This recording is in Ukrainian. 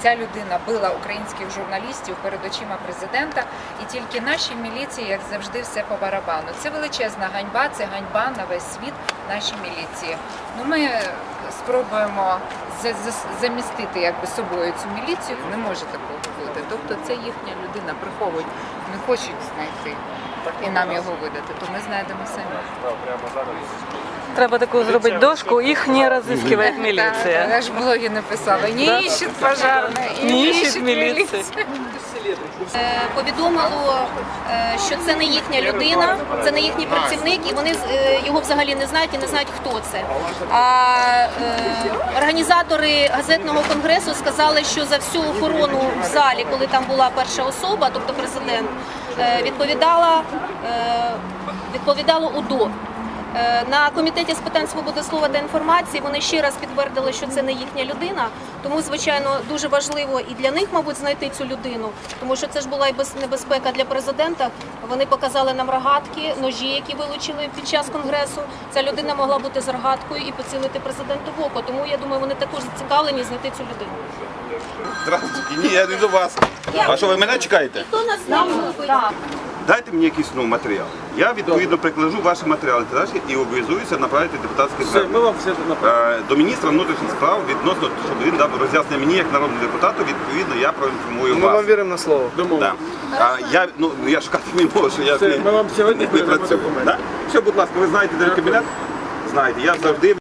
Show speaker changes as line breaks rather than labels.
Ця людина била українських журналістів перед очима президента, і тільки нашій міліції, як завжди, все по барабану. Це величезна ганьба, це ганьба на весь світ нашій міліції. Ну, ми спробуємо замістити собою цю міліцію, не може такого бути. Тобто це їхня людина, приховують, не хочуть знайти і нам його видати, то ми знайдемо самі.
Треба таку зробити дошку, їх не розыскиває міліція.
Я ж в блогі написала, не іщуть пожарні, і не іщуть міліцію.
Повідомило, що це не їхня людина, це не їхній працівник, і вони його взагалі не знають і не знають, хто це. А організатори газетного конгресу сказали, що за всю охорону в залі, коли там була перша особа, тобто президент, відповідало УДО. На Комітеті з питань свободи слова та інформації вони ще раз підтвердили, що це не їхня людина. Тому, звичайно, дуже важливо і для них, мабуть, знайти цю людину, тому що це ж була і небезпека для президента. Вони показали нам рогатки, ножі, які вилучили під час конгресу. Ця людина могла бути з рогаткою і поцілити президенту в око. Тому, я думаю, вони також зацікавлені знайти цю людину.
Здравствуйте, ні, я не до вас. А що, ви мене чекаєте?
Хто нас знав?
Дайте мені якийсь матеріал. Я відповідно прикладу ваші матеріали і обов'язуюся направити депутатське звернення до міністра внутрішніх справ відносно, щоб він дав роз'яснення мені як народному депутату, відповідно я проінформую вас.
Ми вам віримо на слово.
Да. Я шукати не можу, я з ним не працюю. Все, будь ласка, ви знаєте, де кабінет? Знаєте, я завжди